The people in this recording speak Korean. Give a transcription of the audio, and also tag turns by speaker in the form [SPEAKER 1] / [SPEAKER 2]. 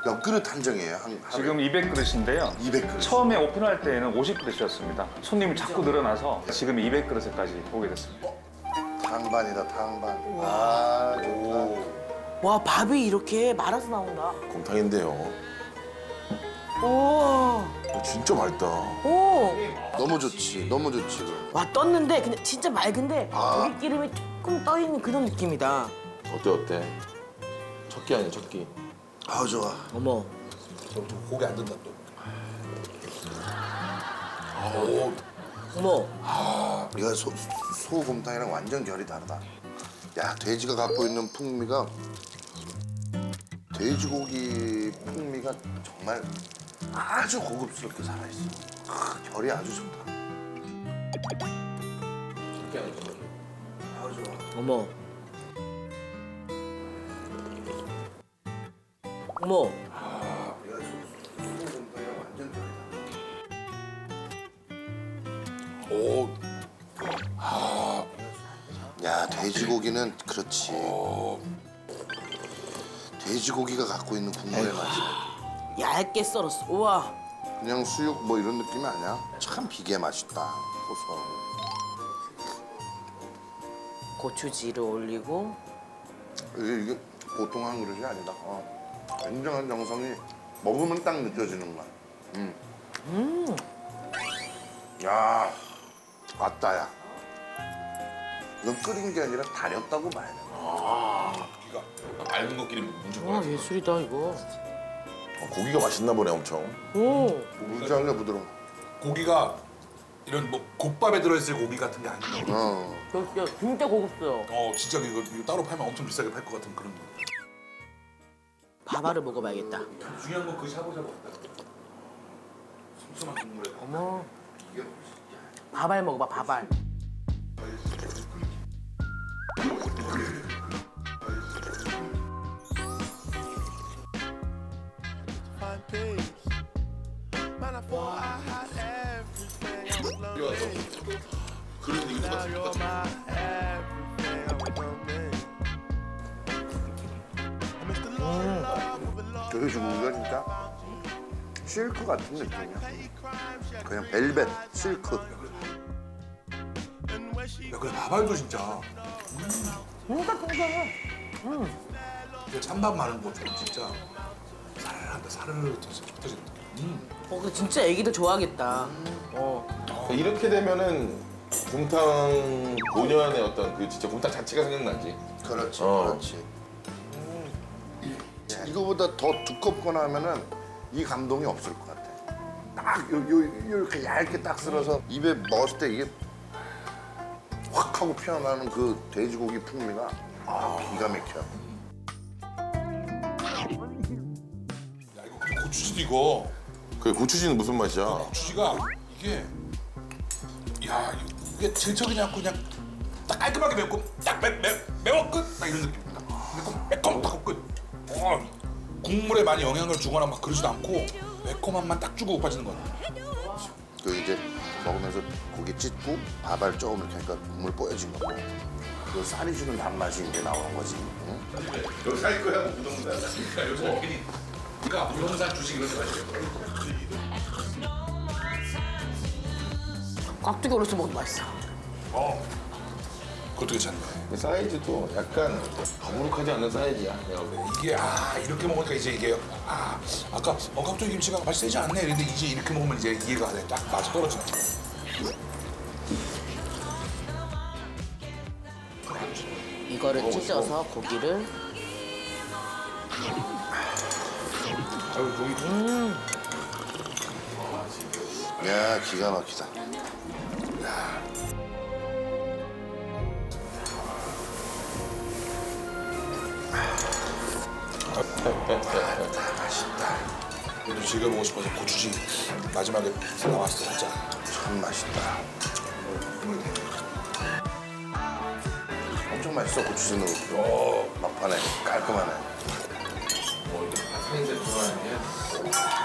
[SPEAKER 1] 몇 그릇 한정이에요?
[SPEAKER 2] 지금 200그릇인데요.
[SPEAKER 1] 200그릇.
[SPEAKER 2] 처음에 오픈할 때에는 50그릇이었습니다. 손님이 자꾸 늘어나서 지금 200그릇까지 오게 됐습니다.
[SPEAKER 1] 탕반이다, 탕반. 아, 좋다.
[SPEAKER 3] 와, 밥이 이렇게 말아서 나온다.
[SPEAKER 4] 곰탕인데요.
[SPEAKER 3] 오,
[SPEAKER 4] 진짜 맛있다.
[SPEAKER 3] 오.
[SPEAKER 1] 너무 좋지, 너무 좋지. 그럼.
[SPEAKER 3] 와, 떴는데 그냥 진짜 맑은데
[SPEAKER 1] 아.
[SPEAKER 3] 고기 기름이 조금 떠 있는 그런 느낌이다.
[SPEAKER 4] 어때? 첫 끼 아니야, 첫 끼.
[SPEAKER 1] 아, 좋아.
[SPEAKER 3] 어머.
[SPEAKER 5] 좀 고기 안 든다 또.
[SPEAKER 3] 어머.
[SPEAKER 1] 이거 소곰탕이랑 완전 결이 다르다. 야, 돼지가 갖고 있는 풍미가 돼지고기 풍미가 정말 아주 고급스럽게 살아있어. 결이 아주 좋다. 아, 좋아.
[SPEAKER 3] 어머. 어머.
[SPEAKER 1] 이거 소곰탕이랑 완전 결이 다르다.
[SPEAKER 5] 오.
[SPEAKER 1] 야, 돼지고기는 그렇지. 돼지고기가 갖고 있는 국물의 맛이
[SPEAKER 3] 얇게 썰었어. 우와.
[SPEAKER 1] 그냥 수육 뭐 이런 느낌이 아니야. 참 비계 맛있다. 고소하고.
[SPEAKER 3] 고추지를 올리고.
[SPEAKER 1] 이게 보통 한 그릇이 아니다. 굉장한 정성이 먹으면 딱 느껴지는 거야. 야, 왔다, 야. 이건 끓인 게 아니라 달였다고 봐야 돼.
[SPEAKER 5] 고기가 맑은 것끼리 뭉친
[SPEAKER 3] 와,
[SPEAKER 5] 거야.
[SPEAKER 3] 예술이다, 이거.
[SPEAKER 4] 고기가 맛있나 보네, 엄청.
[SPEAKER 3] 오.
[SPEAKER 1] 물장려 부드러워.
[SPEAKER 5] 고기가 이런 뭐 곱밥에 들어있을 고기 같은 게 아니고.
[SPEAKER 3] 진짜 고급스러워.
[SPEAKER 5] 진짜 이거 따로 팔면 엄청 비싸게 팔 것 같은 그런 거.
[SPEAKER 3] 밥알을 먹어봐야겠다.
[SPEAKER 5] 중요한 건 그 샤브샤브 같다. 슴슴한 국물에.
[SPEAKER 3] 어머. 밥알 먹어봐, 밥알.
[SPEAKER 4] 그런 얘기 똑같아.
[SPEAKER 1] 돼지고기가 진짜 실크 같은 느낌이야. 그냥 벨벳, 실크.
[SPEAKER 5] 야, 그래 밥알도 진짜.
[SPEAKER 3] 진짜 통통해.
[SPEAKER 5] 이게 찬밥 마른 것처럼 진짜 사르르한다. 사르르 터진다.
[SPEAKER 3] 근데 진짜 애기도 좋아하겠다.
[SPEAKER 4] 이렇게 되면은 곰탕 본연의 어떤 그 진짜 곰탕 자체가 생각나지.
[SPEAKER 1] 그렇지,
[SPEAKER 4] 어.
[SPEAKER 1] 그렇지. 이거보다 더 두껍거나 하면은 이 감동이 없을 것 같아. 딱 이렇게 얇게 딱 쓸어서 입에 먹었을 때 이게 확 하고 피어나는 그 돼지고기 풍미가 기가 막혀.
[SPEAKER 5] 야 이거 고추지도 이거.
[SPEAKER 4] 그 고추지는 무슨 맛이야?
[SPEAKER 5] 고추지가 이게 야 이게 질척이지 않고 그냥 딱 깔끔하게 맵고 딱 매워 끝. 딱 이런 느낌입니다. 매콤 딱 끝. 국물에 많이 영향을 주거나 막 그러지도 않고 매콤함만 딱 주고 빠지는 거 같아.
[SPEAKER 1] 그 이제 먹으면서 고기 찢고 밥알 조금 이렇게 하니까 국물 뽀여진 거고. 그 쌀이 주는 단맛이 이제 나오는 거지. 응?
[SPEAKER 4] 여기 살 거야, 우동산.
[SPEAKER 5] 그러니까 요즘 괜히 네가 우동산 주식 이런 데 마시겠어.
[SPEAKER 3] 깍두기 올려서 먹어도 맛있어.
[SPEAKER 5] 그것도 괜찮네.
[SPEAKER 4] 그 사이즈도 약간 더부룩하지 않는 사이즈야. 내가 보기엔.
[SPEAKER 5] 이게 이렇게 먹으니까 이제 이게 아까 깍두기 김치가 맛이 세지 않네. 근데 이제 이렇게 먹으면 이제 이해가 돼. 딱 맛이 떨어지네.
[SPEAKER 3] 이거를 찢어서 고기를.
[SPEAKER 1] 야, 기가 막히다. 맛있다.
[SPEAKER 5] 그래도 즐겨보고 싶어서 고추지 마지막에 나왔을 때 진짜.
[SPEAKER 1] 참 맛있다. 엄청 맛있어, 고추지 넣고. 막판에 깔끔하네.
[SPEAKER 4] 사이즈 들어가는 게.